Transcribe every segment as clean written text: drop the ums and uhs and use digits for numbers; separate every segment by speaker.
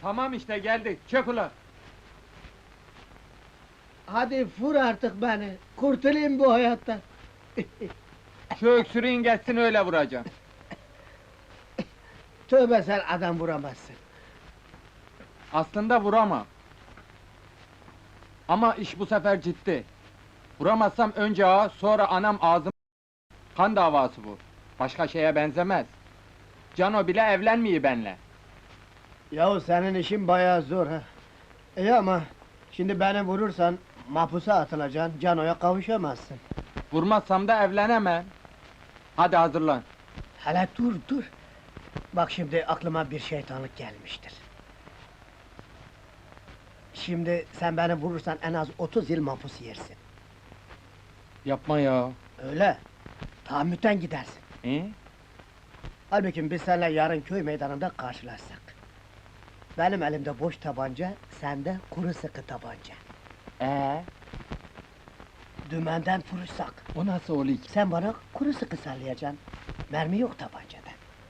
Speaker 1: Tamam işte geldik, çök ulan!
Speaker 2: Hadi vur artık beni, kurtulayım bu hayattan.
Speaker 1: Şu öksürüğün geçsin öyle vuracağım.
Speaker 2: Tövbe, sen adam vuramazsın.
Speaker 1: Aslında vuramam. Ama iş bu sefer ciddi. Vuramazsam önce ağa, sonra anam ağzım... Kan davası bu. Başka şeye benzemez. Cano bile evlenmiyor benle.
Speaker 2: Yahu senin işin bayağı zor ha. İyi ama şimdi beni vurursan mahpusa atılacaksın, Cano'ya kavuşamazsın.
Speaker 1: Vurmazsam da evlenemem. Hadi hazırlan.
Speaker 2: Hele dur dur. Bak şimdi aklıma bir şeytanlık gelmiştir. Şimdi sen beni vurursan en az 30 yıl mahpus yersin.
Speaker 1: Yapma ya.
Speaker 2: Öyle. Tahammüten gidersin. Halbuki biz seninle yarın köy meydanında karşılaşsak. Benim elimde boş tabanca, sende kuru sıkı tabanca. Dümenden vuruşsak,
Speaker 1: O nasıl oluyor ki?
Speaker 2: sen bana kuru sıkı sallayacaksın. Mermi yok tabancada.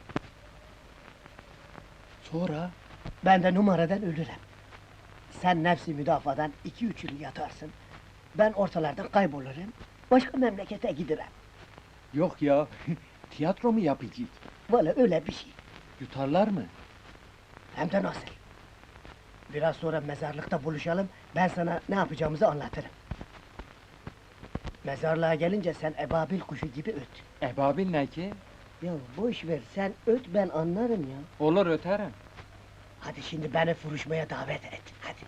Speaker 1: Sonra?
Speaker 2: Ben de numaradan ölürüm. Sen nefsi müdafadan 2-3 yıl yatarsın. Ben ortalardan kaybolurum, başka memlekete giderim.
Speaker 1: Yok ya, tiyatro mu yapacağız?
Speaker 2: Valla öyle bir şey.
Speaker 1: Yutarlar mı?
Speaker 2: Hem de nasıl? Biraz sonra mezarlıkta buluşalım, ben sana ne yapacağımızı anlatırım. Mezarlığa gelince sen ebabil kuşu gibi öt.
Speaker 1: Ebabil ne ki?
Speaker 2: Ya boş ver, sen öt, ben anlarım ya.
Speaker 1: Olur öterim.
Speaker 2: Hadi şimdi beni vuruşmaya davet et, hadi.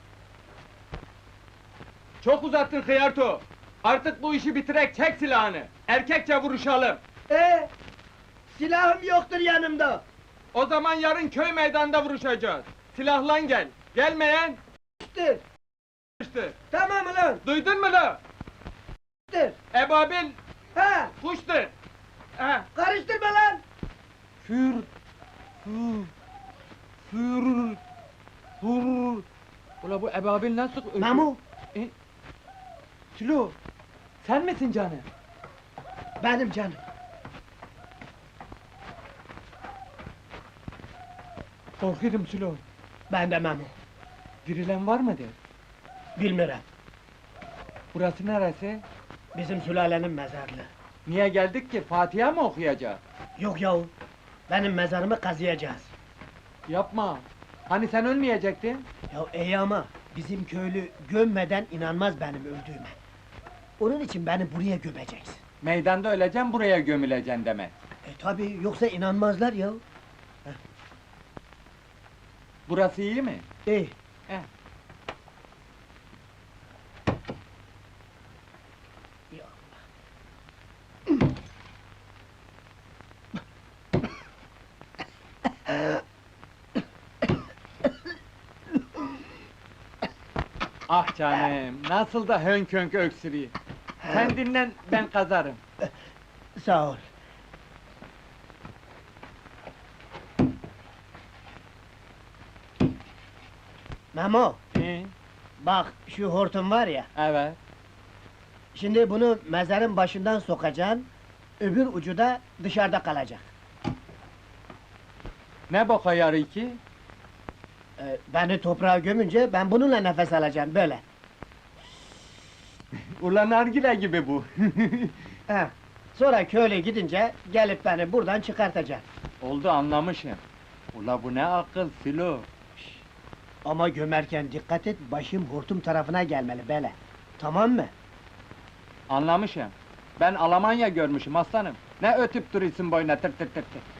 Speaker 1: Çok uzattın Hıyarto! Artık bu işi bitirek, çek silahını! Erkekçe vuruşalım!
Speaker 2: Silahım yoktur yanımda!
Speaker 1: O zaman yarın köy meydanında vuruşacağız! Silahlan gel! Gelmeyen...
Speaker 2: İşte,
Speaker 1: ...işte!
Speaker 2: tamam ulan!
Speaker 1: Duydun mu la?
Speaker 2: İşte,
Speaker 1: Ebabil...
Speaker 2: ha!
Speaker 1: ...kuştur! Ha!
Speaker 2: Karıştırma lan!
Speaker 1: Für... Für... Für... Für... Ula bu ebabil nasıl...
Speaker 2: Memo,
Speaker 1: Sülo! Sen misin canım?
Speaker 2: benim canım.
Speaker 1: Korkuyorum Sülo!
Speaker 2: Ben de Memo.
Speaker 1: Dirilen var mıdır?
Speaker 2: Bilmirem,
Speaker 1: Burası neresi?
Speaker 2: bizim sülalenin mezarlığı.
Speaker 1: Niye geldik ki? Fatiha mı okuyacağız?
Speaker 2: Yok yahu, benim mezarımı kazıyacağız.
Speaker 1: Yapma! Hani sen ölmeyecektin?
Speaker 2: Ya iyi ama, bizim köylü gömmeden inanmaz benim öldüğüme. Onun için beni buraya gömeceksin.
Speaker 1: Meydanda öleceksin, buraya gömüleceksin demek.
Speaker 2: Tabi, yoksa inanmazlar ya.
Speaker 1: Burası iyi mi?
Speaker 2: İyi.
Speaker 1: He.
Speaker 2: Ya.
Speaker 1: Ah canım, nasıl da hönk hönk öksürüyor. Sen dinlen, ben kazarım.
Speaker 2: Sağ ol. Memo, bak şu hortum var ya,
Speaker 1: Evet.
Speaker 2: şimdi bunu mezarın başından sokacaksın, öbür ucu da dışarıda kalacak.
Speaker 1: Ne boka yarı ki?
Speaker 2: Beni toprağa gömünce ben bununla nefes alacağım, böyle.
Speaker 1: Ulan nargile gibi bu.
Speaker 2: He. Sonra köyle gidince, gelip beni buradan çıkartacaksın.
Speaker 1: Oldu anlamışım. Ula bu ne akıl Filo.
Speaker 2: Ama gömerken dikkat et, başım hortum tarafına gelmeli, böyle. Tamam mı?
Speaker 1: Anlamışım. Ben Almanya görmüşüm aslanım. Ne ötüp duruyorsun boyuna tır tır tır tır.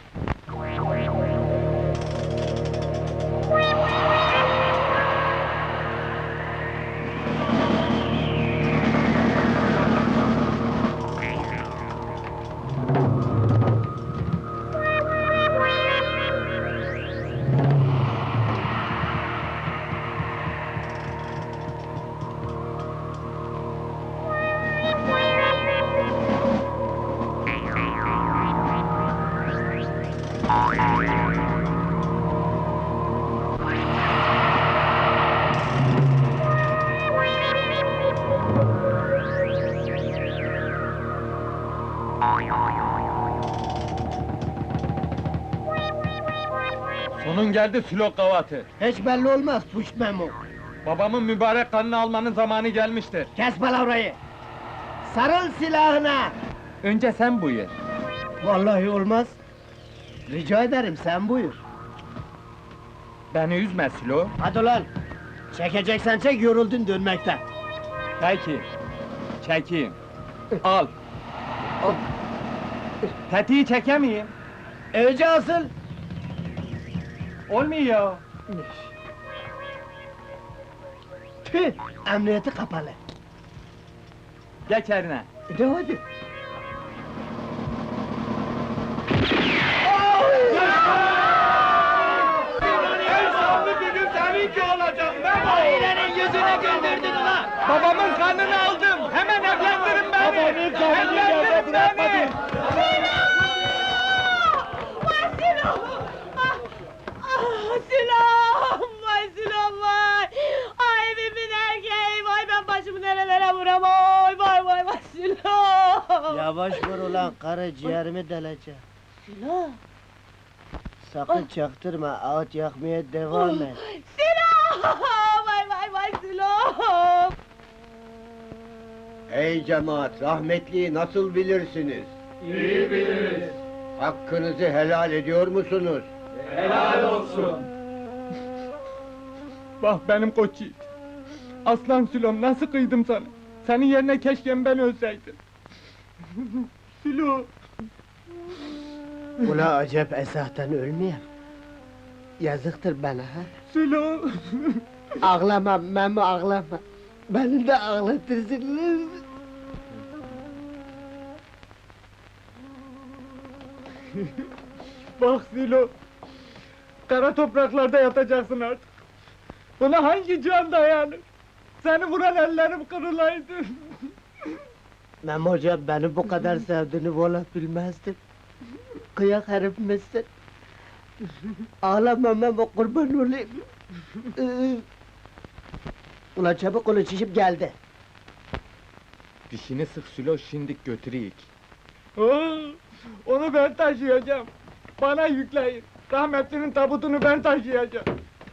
Speaker 1: Sonun geldi Sülo kavatı.
Speaker 2: Hiç belli olmaz puş Memo.
Speaker 1: Babamın mübarek kanını almanın zamanı gelmiştir.
Speaker 2: Kes palavrayı! Sarıl silahına!
Speaker 1: Önce sen buyur.
Speaker 2: Vallahi olmaz. Rica ederim, sen buyur.
Speaker 1: Beni üzme Sülo.
Speaker 2: Hadi ulan! Çekeceksen çek, yoruldun dönmekten.
Speaker 1: Peki. Çekeyim. Al. Tetiği çekemeyeyim.
Speaker 2: Önce asıl!
Speaker 1: Olmuyor.
Speaker 2: Tüh! Emniyeti kapalı.
Speaker 1: Geç eline.
Speaker 2: De hadi! Ailenin yüzüne güldürdün ulan!
Speaker 1: Babamın kanını aldım. Hemen evlendirin beni.
Speaker 2: Babanın kanını
Speaker 1: Evlendirin beni.
Speaker 3: Vay Sinan! Sinan! Vay Sinan vay! Ay evimin erkeği! Vay ben başımı nerelere vuram! Vay Sinan!
Speaker 2: Yavaş vur ulan, karı ciğerimi deleceğim.
Speaker 3: Sinan!
Speaker 2: Sakın çaktırma, ağıt yakmaya devam et.
Speaker 3: Sinan! Vay Sinan!
Speaker 4: Ey cemaat, rahmetliyi nasıl bilirsiniz?
Speaker 1: İyi biliriz.
Speaker 4: Hakkınızı helal ediyor musunuz?
Speaker 1: Helal olsun. Bak benim koç yiğit. Aslan Sülom nasıl kıydım sana? Senin yerine keşke ben ölseydim. Sülo.
Speaker 2: Ula acep esahtan ölmeyeyim. Yazıktır bana ha.
Speaker 1: Sülo.
Speaker 2: Ağlama Memo, ağlama. Beni de ağlatırsınız.
Speaker 1: Bak Sülo. Kara topraklarda yatacaksın artık. Buna hangi can dayanır? Seni vuran ellerim kırılaydı.
Speaker 2: Memo hocam beni bu kadar sevdiğini valla bilmezdim. Kıyak herif misin? Ağlama Memo, kurban olayım. Ulan çabuk onu şişip geldi.
Speaker 1: Dişini sık Sülo, şimdik götüreyik. Onu ben taşıyacağım. Bana yükleyin. Rahmetlinin tabutunu ben taşıyacağım.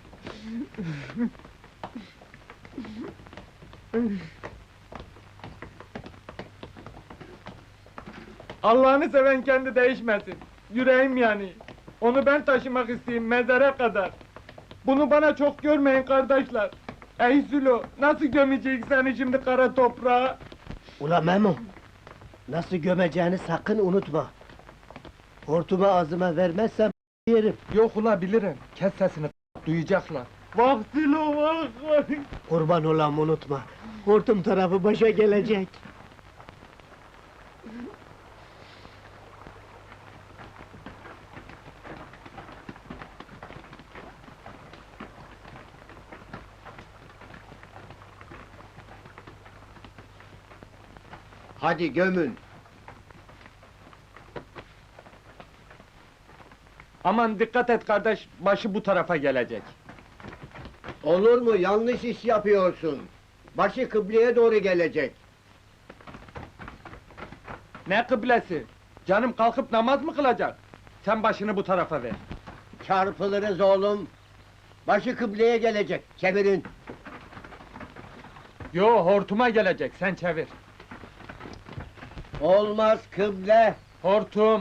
Speaker 1: Allah'ını seven kendi değişmesin. Yüreğim yani. Onu ben taşımak isteyeyim mezara kadar. Bunu bana çok görmeyin kardeşler. Ey Sülo, nasıl gömecek seni şimdi kara toprağa?
Speaker 2: Ulan Memo, nasıl gömeceğini sakın unutma. Hortumu ağzıma vermezsem yerim.
Speaker 1: Yok ula bilirim. Kes sesini, duyacaklar. Bak Sülo, bak!
Speaker 2: Kurban olam unutma. Hortum tarafı başa gelecek.
Speaker 4: Hadi gömün.
Speaker 1: Aman dikkat et kardeş, başı bu tarafa gelecek.
Speaker 4: Olur mu? Yanlış iş yapıyorsun. Başı kıbleye doğru gelecek.
Speaker 1: Ne kıblesi? Canım kalkıp namaz mı kılacak? Sen başını bu tarafa ver.
Speaker 4: Çarpılırız oğlum. Başı kıbleye gelecek. Çevirin.
Speaker 1: Yo, hortuma gelecek, sen çevir.
Speaker 4: Olmaz kıble.
Speaker 1: Hortum!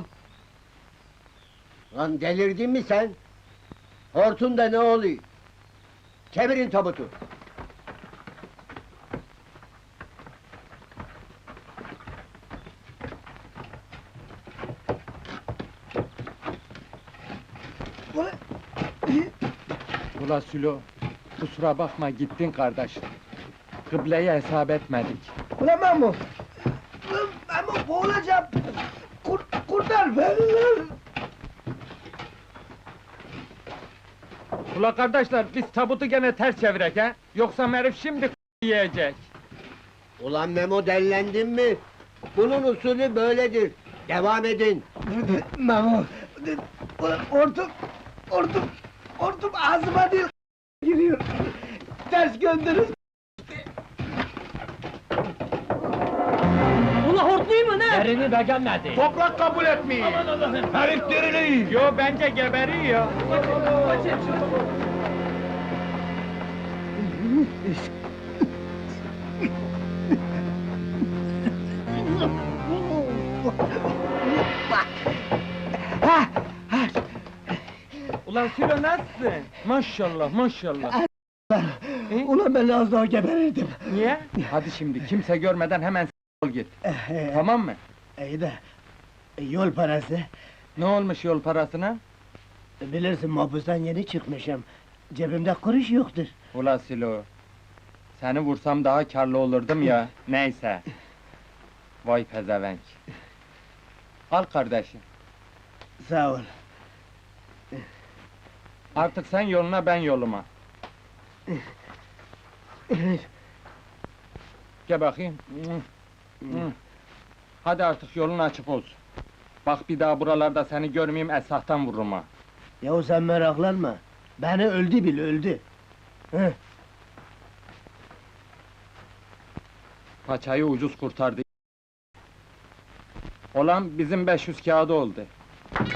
Speaker 4: Lan delirdin mi sen? Hortumda ne oluyor? Çevirin tabutu.
Speaker 1: Ula Sülo, kusura bakma gittin kardeş. Kıbleye hesap etmedik.
Speaker 2: Ulan Memo! Memo boğulacağım! Kurtar beni!
Speaker 1: Ula kardeşler, biz tabutu gene ters çevirek he? Yoksa herif şimdi yiyecek.
Speaker 4: Ulan Memo dellendin mi? Bunun usulü böyledir. Devam edin.
Speaker 2: Memo! Ulan hortum ağzıma değil giriyor! Ters gönderin! Allah hortluyor mu ne?
Speaker 5: Yerini beğenmedi.
Speaker 1: Toprak kabul etmiyor.
Speaker 5: Herif diriliyor.
Speaker 1: Yo bence geberiyor. Ulan Sülo nasılsın? Maşallah maşallah.
Speaker 2: Ulan ben az daha geberirdim.
Speaker 1: Niye? Hadi şimdi kimse görmeden hemen ol git. Tamam mı?
Speaker 2: İyi de yol parası.
Speaker 1: Ne olmuş yol parasına?
Speaker 2: Bilirsin mahpustan yeni çıkmışım. Cebimde kuruş yoktur.
Speaker 1: Ula Sülo. Seni vursam daha karlı olurdum ya. Neyse. Vay pezevenk. Al kardeşim.
Speaker 2: Sağ ol.
Speaker 1: Artık sen yoluna ben yoluma. Gel bakayım. Hadi artık yolun açık olsun. Bak bir daha buralarda seni görmeyeyim esahtan vururum ha.
Speaker 2: Yahu sen meraklanma. Beni öldü bil öldü. Heh.
Speaker 1: Paçayı ucuz kurtardı. Olan bizim 500 kağıdı oldu.